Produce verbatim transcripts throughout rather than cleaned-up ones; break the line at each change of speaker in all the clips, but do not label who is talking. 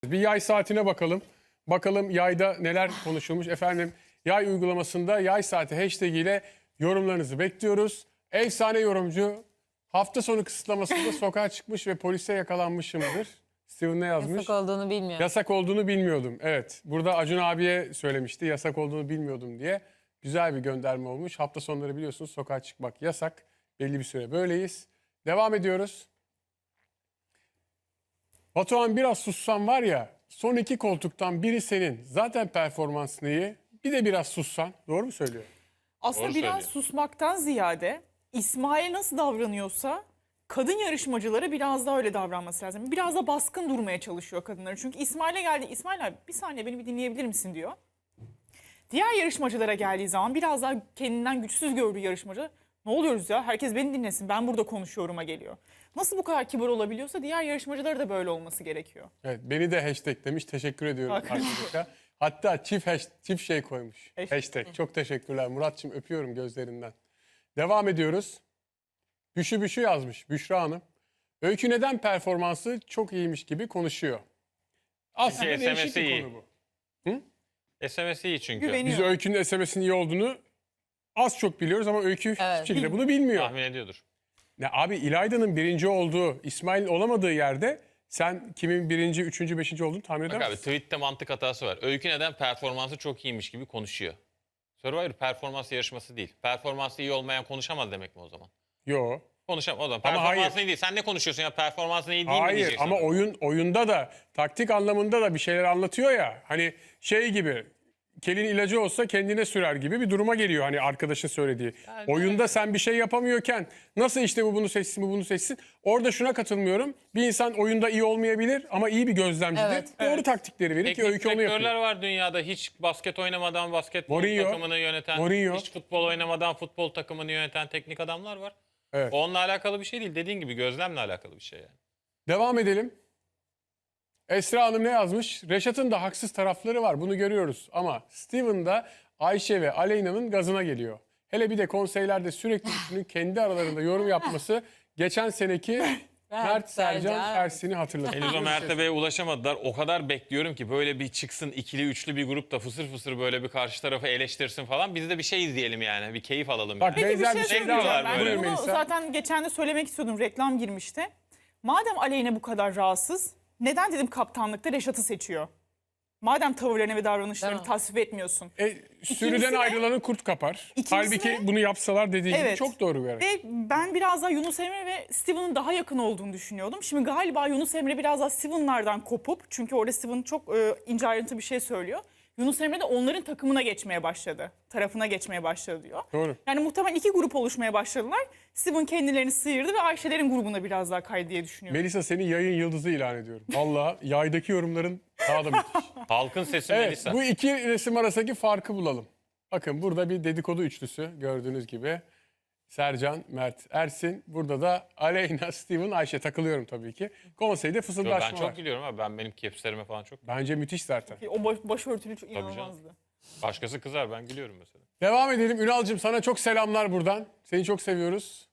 Bir yay saatine bakalım. Bakalım yayda neler konuşulmuş. Efendim yay uygulamasında yay saati hashtag ile yorumlarınızı bekliyoruz. Efsane yorumcu hafta sonu kısıtlamasında sokağa çıkmış ve polise yakalanmışımdır. Steven ne yazmış?
Yasak olduğunu bilmiyorum.
Yasak olduğunu bilmiyordum. Evet. Burada Acun abiye söylemişti. Yasak olduğunu bilmiyordum diye. Güzel bir gönderme olmuş. Hafta sonları biliyorsunuz sokağa çıkmak yasak. Belli bir süre böyleyiz. Devam ediyoruz. Batuhan biraz sussan var ya, son iki koltuktan biri senin. Zaten performansın iyi. Bir de biraz sussan. Doğru mu söylüyor?
Aslında
Doğru
biraz
söylüyor.
susmaktan ziyade İsmail nasıl davranıyorsa kadın yarışmacılara biraz daha öyle davranması lazım. Biraz da baskın durmaya çalışıyor kadınları. Çünkü İsmail'e geldi. İsmail abi bir saniye beni bir dinleyebilir misin diyor. Diğer yarışmacılara geldiği zaman biraz daha kendinden güçsüz gördüğü yarışmacı ne oluyoruz ya herkes beni dinlesin ben burada konuşuyorum'a geliyor. Nasıl bu kadar kibar olabiliyorsa diğer yarışmacılara da böyle olması gerekiyor.
Evet, beni de hashtag demiş. Teşekkür ediyorum
Bak.
arkadaşlar. Hatta çift, hash, çift şey koymuş.
Hashtag.
Hashtag. Çok teşekkürler Muratçım, öpüyorum gözlerinden. Devam ediyoruz. Büşü Büşü yazmış Büşra Hanım. Öykü neden performansı çok iyiymiş gibi konuşuyor. Aslında
Çünkü
değişik
S M S'i
bir
iyi.
konu bu.
S M S iyi çünkü.
Güveniyor.
Biz Öykü'nün S M S'in iyi olduğunu az çok biliyoruz ama Öykü hiçbir şekilde bunu bilmiyor.
Tahmin ediyordur.
Ya abi İlayda'nın birinci olduğu, İsmail'in olamadığı yerde sen kimin birinci, üçüncü, beşinci olduğunu tahmin
Bak
eder
abi
misin?
tweette mantık hatası var. Öykü neden performansı çok iyiymiş gibi konuşuyor. Survivor performans yarışması değil. Performansı iyi olmayan konuşamaz demek mi o zaman?
Yo.
Konuşamaz o zaman.
Ama
Performansın
hayır.
iyi değil. Sen ne konuşuyorsun ya? Performansın iyi değil mi
Hayır
diyeceksin?
ama oyun oyunda da taktik anlamında da bir şeyler anlatıyor ya. Hani şey gibi kelin ilacı olsa kendine sürer gibi bir duruma geliyor hani arkadaşın söylediği.
Yani
Oyunda sen bir şey yapamıyorken nasıl işte bu bunu seçsin bu bunu seçsin. Orada şuna katılmıyorum. Bir insan oyunda iyi olmayabilir ama iyi bir gözlemcidir.
Evet.
Doğru
Evet.
taktikleri verir ki
Teknik
Öykü onu
direktörler
yapıyor.
var dünyada. Hiç basket oynamadan basketbol
Mourinho.
takımını yöneten,
Mourinho.
hiç futbol oynamadan futbol takımını yöneten teknik adamlar var.
Evet.
O onunla alakalı bir şey değil. Dediğin gibi gözlemle alakalı bir şey yani.
Devam edelim. Esra Hanım ne yazmış? Reşat'ın da haksız tarafları var. Bunu görüyoruz. Ama Steven da Ayşe ve Aleyna'nın gazına geliyor. Hele bir de konseylerde sürekli üçünün kendi aralarında yorum yapması geçen seneki Mert Sercan
Sercan.
Ersin'i hatırlatıyor.
Henüz o mertebeye ulaşamadılar. O kadar bekliyorum ki böyle bir çıksın ikili üçlü bir grup da fısır fısır böyle bir karşı tarafı eleştirsin falan. Biz de bir şey izleyelim yani. Bir keyif alalım
Bak,
yani.
Peki bir
benzer
şey
bir şey
söyleyeceğim.
daha var
Ben
böyle.
bunu
Melisa.
zaten geçen de söylemek istiyordum. Reklam girmişti. Madem Aleyna bu kadar rahatsız, neden dedim kaptanlıkta Reşat'ı seçiyor? Madem tavırlarını ve davranışlarını
Değil mi?
tasvip etmiyorsun.
E, sürüden
de-
ayrılanı kurt kapar.
İkincisi
Halbuki
de-
bunu yapsalar dediği gibi
Evet.
çok doğru bir hareket.
Ve ben biraz daha Yunus Emre ve Steven'ın daha yakın olduğunu düşünüyordum. Şimdi galiba Yunus Emre biraz daha Steven'lardan kopup, çünkü orada Steven çok e, ince ayrıntı bir şey söylüyor. Yunus Emre de onların takımına geçmeye başladı. Tarafına geçmeye başladı diyor.
Doğru.
Yani muhtemelen iki grup oluşmaya başladılar. Steven kendilerini sıyırdı ve Ayşe'lerin grubuna biraz daha kaydı diye düşünüyorum.
Melisa seni yayın yıldızı ilan ediyorum. Vallahi yaydaki yorumların daha da müthiş.
Halkın sesi
Evet,
Melisa.
bu iki resim arasındaki farkı bulalım. Bakın burada bir dedikodu üçlüsü gördüğünüz gibi. Sercan, Mert, Ersin. Burada da Aleyna, Steven, Ayşe takılıyorum tabii ki. Konseyde
Yo,
fısıldaşma
ben çok
var.
gülüyorum abi. Ben benim kepslerime falan çok.
Bence müthiş zaten.
O baş, başörtülü çok
canım.
inanılmazdı.
Başkası kızar ben gülüyorum mesela.
Devam edelim. Ünal'cığım sana çok selamlar buradan. Seni çok seviyoruz.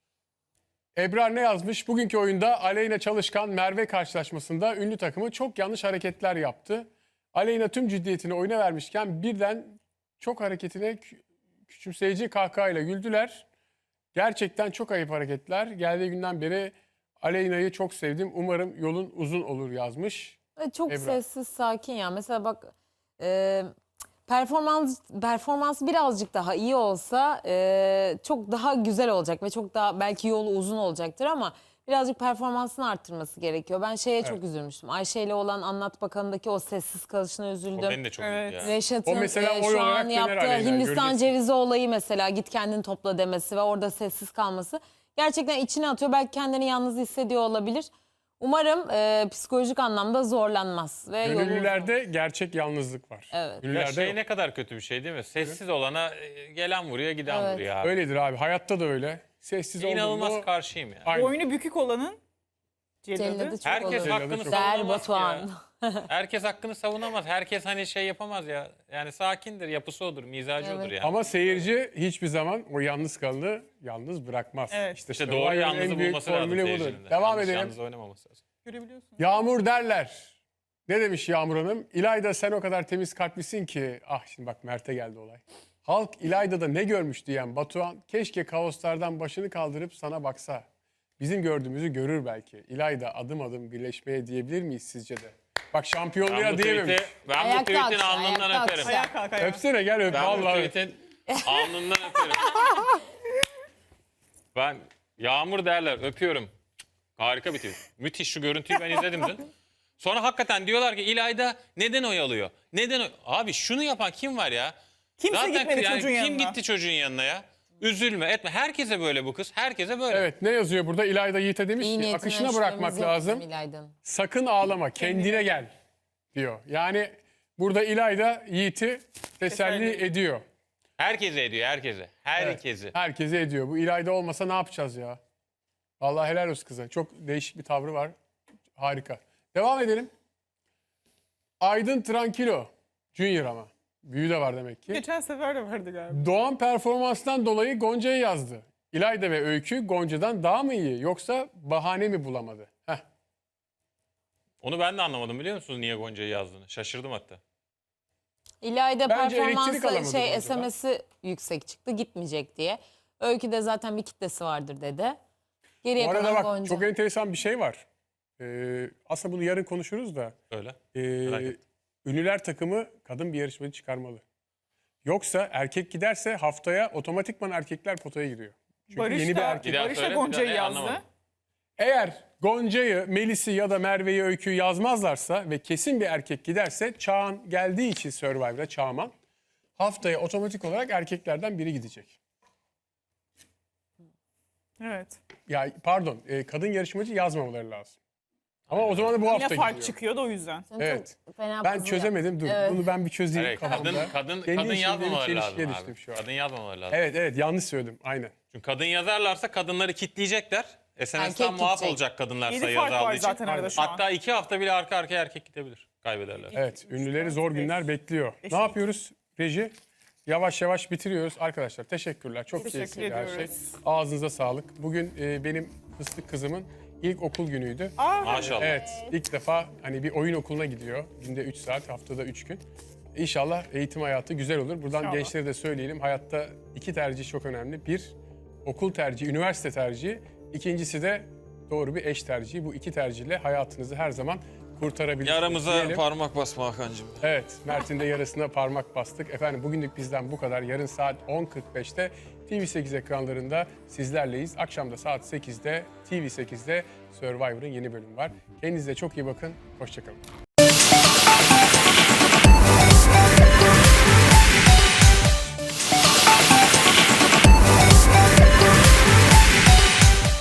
Ebrar ne yazmış? Bugünkü oyunda Aleyna Çalışkan Merve karşılaşmasında ünlü takımı çok yanlış hareketler yaptı. Aleyna tüm ciddiyetini oyuna vermişken birden çok hareketine kü- küçümseyici kahkahayla güldüler. Gerçekten çok ayıp hareketler. Geldiği günden beri Aleyna'yı çok sevdim. Umarım yolun uzun olur yazmış.
Ve çok
Ebrar.
sessiz, sakin ya. Mesela bak e, performans performans birazcık daha iyi olsa e, çok daha güzel olacak ve çok daha belki yolu uzun olacaktır ama birazcık performansını arttırması gerekiyor. Ben şeye
Evet.
çok üzülmüştüm. Ayşe ile olan Anlat Bakanı'ndaki o sessiz kalışına
O
üzüldüm.
beni de çok
Evet.
üzdü ya.
Reşat'ın
O mesela
e,
oy
şu
olarak
an
döner
yaptığı
Aleyna,
Hindistan
göreceksin.
cevizi olayı mesela git kendini topla demesi ve orada sessiz kalması gerçekten içine atıyor. Belki kendini yalnız hissediyor olabilir. Umarım e, psikolojik anlamda zorlanmaz. Ve yolu uzun.
Gönüllülerde gerçek yalnızlık var.
Evet.
Ya
Gönüllülerde
şey
yok.
ne kadar kötü bir şey değil mi? Sessiz olana e, gelen vuruyor giden
Evet.
vuruyor abi.
Öyledir abi. Hayatta da öyle. Sessiz
İnanılmaz
olduğunda
karşıyım ya.
Aynen.
Boynu bükük olanın celladı.
Celladı çok
Herkes
olur.
Celladı
hakkını
çok-
Der
savunamaz ki
Batuhan.
ya. Herkes hakkını savunamaz. Herkes hani şey yapamaz ya. Yani sakindir, yapısı odur, mizacı
Evet.
odur yani.
Ama seyirci hiçbir zaman o yalnız kalanı yalnız bırakmaz.
Evet.
İşte
Survivor'ın
doğru
en
yalnızı
büyük
bulması lazım
formülü budur.
seyircinin de.
Devam
Yalnız
edelim.
Yalnız oynamaması lazım.
Görebiliyorsun.
Yağmur derler. Ne demiş Yağmur Hanım? İlayda sen o kadar temiz kalplisin ki. Ah şimdi bak Mert'e geldi olay. Halk İlayda'da ne görmüş diyen Batuhan keşke kaoslardan başını kaldırıp sana baksa. Bizim gördüğümüzü görür belki. İlayda adım adım birleşmeye diyebilir miyiz sizce de? Bak
Ben
şampiyonluğa
bu
diyememiş.
tweet'i, ben bu
Ayakta
tweet'in
alkışla,
alnından
ayakta
öperim.
alkışla.
Ayağa kalk ayağa.
Öpsene gel öp.
Ben bu
Vallahi.
tweet'in alnından öperim. Ben Yağmur derler öpüyorum. Harika bir tweet. Müthiş, şu görüntüyü ben izledim dün. Sonra hakikaten diyorlar ki İlayda neden oy alıyor? Neden oy... Abi şunu yapan kim var ya?
Kimse gitmedi
yani
çocuğun
kim
yanına.
gitti çocuğun yanına ya? Üzülme etme. Herkese böyle bu kız. Herkese böyle.
Evet ne yazıyor burada? İlayda Yiğit'e demiş
İyi
ki
niyetine
akışına
ölçülerimiz
bırakmak
yok
lazım.
bizim İlayda'nın.
Sakın ağlama kendine gel diyor. Yani burada İlayda Yiğit'i teselli
Teselli.
ediyor.
Herkese ediyor herkese.
Evet,
Herkese.
herkese ediyor. Bu İlayda olmasa ne yapacağız ya? Vallahi helal olsun kıza. Çok değişik bir tavrı var. Harika. Devam edelim. Aydın Tranquilo. Junior ama. Büyüğü de var demek ki.
Geçen sefer de vardı galiba.
Doğan performanstan dolayı Gonca'ya yazdı. İlayda ve Öykü Gonca'dan daha mı iyi yoksa bahane mi bulamadı? Heh.
Onu ben de anlamadım biliyor musunuz niye Gonca'yı yazdığını. Şaşırdım hatta.
İlayda
Bence elektrik alamadı
performansı şey
Gonca'dan.
S M S'i yüksek çıktı gitmeyecek diye. Öykü de zaten bir kitlesi vardır dedi. Geriye
Bu arada
kalan
bak
Gonca.
çok enteresan bir şey var. Ee, aslında bunu yarın konuşuruz da.
Öyle.
Ee,
Merak ettim.
ünlüler takımı kadın bir yarışmacı çıkarmalı. Yoksa erkek giderse haftaya otomatikman erkekler potaya giriyor. Çünkü
Barış
yeni bir
da,
erkek.
Bir daha
Barış da
söyle, bir daha-
Gonca'yı
e,
yazdı.
anlamadım.
Eğer Gonca'yı, Melis'i ya da Merve'yi, Öykü'yü yazmazlarsa ve kesin bir erkek giderse Çağan geldiği için Survivor'a Çağman haftaya otomatik olarak erkeklerden biri gidecek.
Evet.
Ya pardon, e, kadın yarışmacı yazmamaları lazım. Ama o zaman da bu hafta
Yine fark
gidiyor.
çıkıyordu o yüzden.
Sen
Evet.
çok fena
Ben
puzzle
çözemedim. Dur.
Evet.
Bunu ben bir çözeyim
Evet,
kafamda.
kadın kadın
Kendi
kadın
içimde bir
yazmamaları
çelişkiye
lazım
düştüm
abi.
şu an.
Kadın yazmamaları lazım.
Evet evet yanlış söyledim. Aynen.
Çünkü kadın yazarlarsa kadınları kitleyecekler. S N S'ten
Erkek
muaf
gidecek.
olacak kadınlar
Yedi
sayı
fark var
azaldığı için.
zaten arada şu an.
Hatta iki hafta bile arka arkaya erkek gidebilir. Kaybederler.
Evet. Ünlüleri zor günler bekliyor.
Beş,
Ne
altı.
yapıyoruz Reji? Yavaş yavaş bitiriyoruz. Arkadaşlar teşekkürler. Çok
Teşekkür
keyifliydi her şey.
ediyoruz.
Ağzınıza sağlık. Bugün e, benim fıstık kızımın ilk okul günüydü.
Aa,
Maşallah.
Evet, ilk defa hani bir oyun okuluna gidiyor. Günde üç saat, haftada üç gün. İnşallah eğitim hayatı güzel olur. Buradan
İnşallah.
gençlere de söyleyelim. Hayatta iki tercih çok önemli. Bir, okul tercihi, üniversite tercihi. İkincisi de doğru bir eş tercihi. Bu iki tercihle hayatınızı her zaman kurtarabilirsiniz.
Yaramıza
diyelim.
parmak basma Hakan'cığım.
Evet, Mert'in de yarısına parmak bastık. Efendim bugünlük bizden bu kadar. Yarın saat on kırk beşte T V sekiz ekranlarında sizlerleyiz. Akşam da saat sekizde T V sekizde Survivor'ın yeni bölümü var. Kendinize çok iyi bakın. Hoşçakalın.